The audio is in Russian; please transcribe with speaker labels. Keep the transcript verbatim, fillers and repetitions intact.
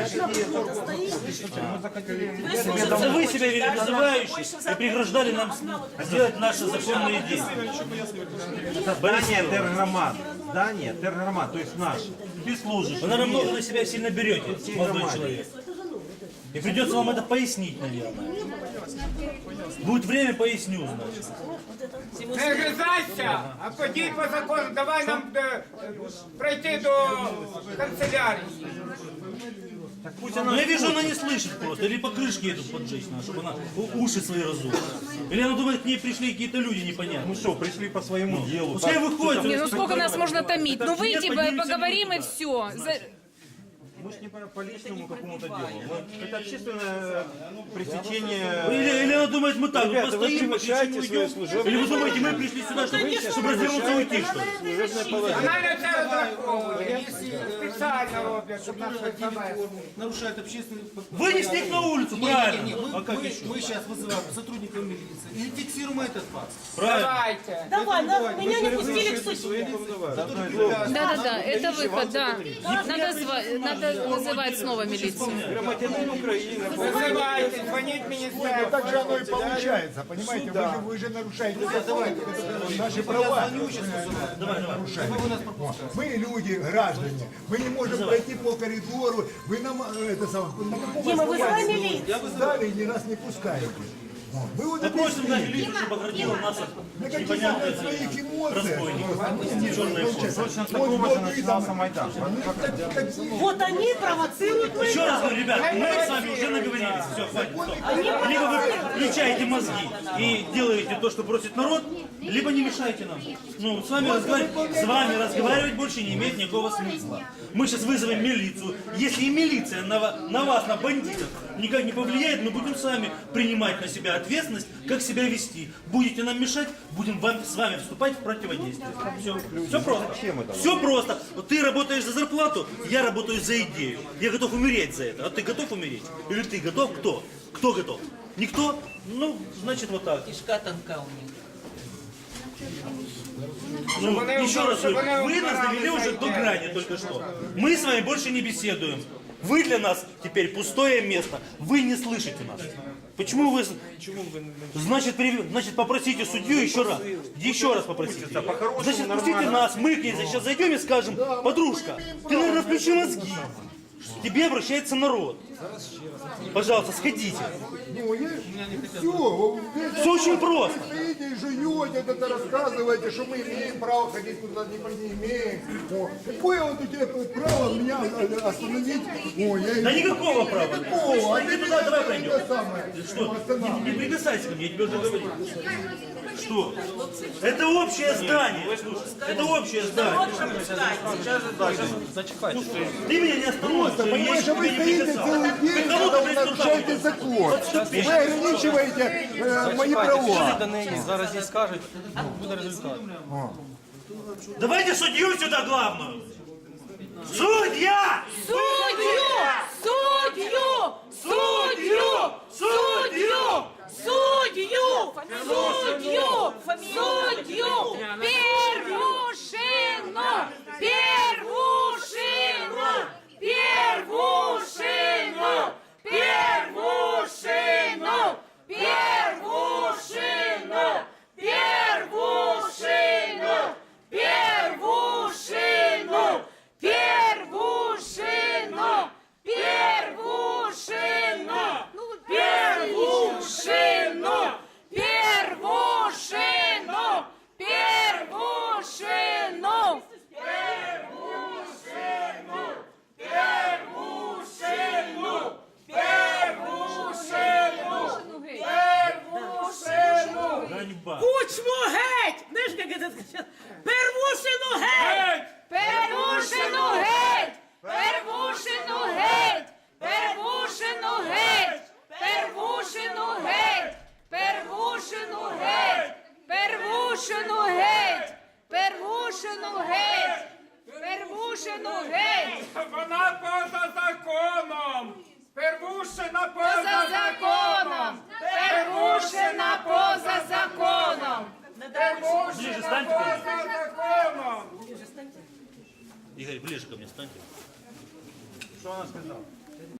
Speaker 1: Это вы себя называющие и преграждали нам сделать наши законные действия.
Speaker 2: Здание тергромад. Здание тергромад, то есть наше. Ты служишь.
Speaker 1: Вы, наверное, много на себя сильно берете, молодой человек. И придется вам это пояснить, наверное. Будет время, поясню, значит.
Speaker 3: Не гризайся, а подій по закону, давай нам е, пройти до канцелярії.
Speaker 1: Но я вижу, она не слышит просто. Или по крышке едут поджечь надо, чтобы она у- уши свои разула. Или она думает, к ней пришли какие-то люди непонятные.
Speaker 2: Ну что, пришли по своему делу.
Speaker 1: Пускай выходит.
Speaker 4: Не, ну сколько нас можно томить? Ну выйти,
Speaker 1: Нет, поднимите
Speaker 4: поговорим и
Speaker 1: руку.
Speaker 4: все.
Speaker 2: Мы же не по, по личному какому-то делу. Мы- Это общественное пресечение.
Speaker 1: Или, или она думает, мы так,
Speaker 2: Ребята,
Speaker 1: вот
Speaker 2: вы
Speaker 1: постоим,
Speaker 2: превышаете
Speaker 1: уйдем.
Speaker 2: свое служебное
Speaker 1: Или вы думаете, мы пришли сюда, чтобы, чтобы развернуться и уйти, что ли?
Speaker 2: Служебное положение.
Speaker 3: Вона на це розраховує, спеціально роблять, щоб нас завести.
Speaker 5: Нарушает общественный...
Speaker 1: Вынести их на улицу, правильно.
Speaker 5: Не, мы,
Speaker 1: А как
Speaker 5: мы,
Speaker 1: еще?
Speaker 5: мы сейчас вызываем сотрудников милиции и фиксируем этот факт.
Speaker 1: Правильно.
Speaker 3: Давайте.
Speaker 6: Давай, на, меня не пустили к судье.
Speaker 4: Да-да-да, это выход, да. Надо, зва- надо вызывать снова милицию.
Speaker 2: Громадянин Украины.
Speaker 3: Визивайте, дзвоніть міністерству.
Speaker 7: Так же оно и получается, понимаете? Вы же, вы же нарушаете закон, наши права. нарушаете. Мы люди, граждане, мы не можем пройти по коридору, вы нам э, это самое, на каком
Speaker 6: Дима, вызывай
Speaker 7: основании
Speaker 6: милицию.
Speaker 7: сдали и ни раз не пускаете. Вот. Вы вот
Speaker 1: Попросим на
Speaker 7: объясните,
Speaker 1: милицию, чтобы оградила нас
Speaker 7: на
Speaker 1: от
Speaker 7: каких
Speaker 1: непонятных
Speaker 7: своих эмоциях.
Speaker 1: разбойников. Черная форма.
Speaker 2: Точно с такого же начинался Майдан.
Speaker 6: Вот они провоцируют мои.
Speaker 1: Еще раз говорю, ребят, мы с вами уже наговорились, все, хватит, стоп. Либо вы включаете мозги и делаете то, что просит народ, либо не мешайте нам. Ну, с вами, разговаривать, с вами разговаривать больше не имеет никакого смысла. Мы сейчас вызовем милицию. Если и милиция на, ва- на вас, на бандитов, никак не повлияет, мы будем сами принимать на себя ответственность, как себя вести. Будете нам мешать, будем вам, с вами вступать в противодействие. Все, все просто. Все просто. Вот ты работаешь за зарплату, я работаю за идею. Я готов умереть за это. А ты готов умереть? Или ты готов? Кто? Кто готов? Никто? Ну, значит, вот так.
Speaker 8: Кишка тонка у них.
Speaker 1: Ну,
Speaker 3: они
Speaker 1: еще
Speaker 3: уже-
Speaker 1: раз
Speaker 3: чтобы
Speaker 1: говорю,
Speaker 3: они
Speaker 1: вы нас
Speaker 3: убирали
Speaker 1: довели уже
Speaker 3: свои
Speaker 1: до
Speaker 3: дела.
Speaker 1: грани только что. Мы с вами больше не беседуем. Вы для нас теперь пустое место. Вы не слышите нас. Почему вы... Значит, при- значит, попросите судью еще раз. Еще раз попросите. Значит, пустите нас, мы к ней сейчас зайдем и скажем, подружка, ты, наверное, включи мозги. К тебе обращается народ. Пожалуйста, сходите.
Speaker 7: Ну, все,
Speaker 1: Все очень просто.
Speaker 7: стоите и жуете, это рассказываете, что мы имеем право ходить куда не, не имеем. О, какое вот у тебя право меня остановить? О, я...
Speaker 1: Да никакого права.
Speaker 7: Никакого, а
Speaker 1: Ты
Speaker 7: ты
Speaker 1: туда давай
Speaker 7: меня
Speaker 1: пройдем.
Speaker 7: это самое,
Speaker 1: Что?
Speaker 7: останавливаешь.
Speaker 1: Не, не прикасайся ко мне, я тебе уже говорил. Что? Это общее здание. Это общее здание. Ты меня не остановишь,
Speaker 7: Просто,
Speaker 1: я
Speaker 7: понимаешь,
Speaker 1: еще
Speaker 7: а
Speaker 1: к
Speaker 7: вы
Speaker 1: тебе не
Speaker 7: стоите целый
Speaker 1: прикасался.
Speaker 7: день,
Speaker 1: Кому
Speaker 7: когда
Speaker 1: ты
Speaker 7: вы нарушаете
Speaker 1: приступаешь?
Speaker 7: закон. Вы ограничиваете э, мои права.
Speaker 5: Зараз їй скажуть, буде результат.
Speaker 1: Давайте судью сюда главную. Судья!
Speaker 4: Судью! Судью! Судью! Судью! Судью! Судью! Судью! Первушину! Первушину! Первушину! Первушину! Первушину! Первушину! Первушину! Первушину! Первушину! Первушину! Первушину! Первушину!
Speaker 1: Ганьба.
Speaker 6: Кучму геть! Знаешь, как это сказать? Первушину геть!
Speaker 4: Первушину геть! Первушину геть! Первушину геть! Первушину геть! Первушину геть! Первушину геть! Первушину геть! Первушину геть!
Speaker 3: Вона поза законом. Первушина
Speaker 4: Поза
Speaker 3: поза
Speaker 4: законом! Первушина поза законом!
Speaker 1: Ближе
Speaker 3: Первушина
Speaker 1: станьте ко мне.
Speaker 3: поза законом.
Speaker 1: Игорь, ближе ко мне станьте.
Speaker 2: Что она сказала?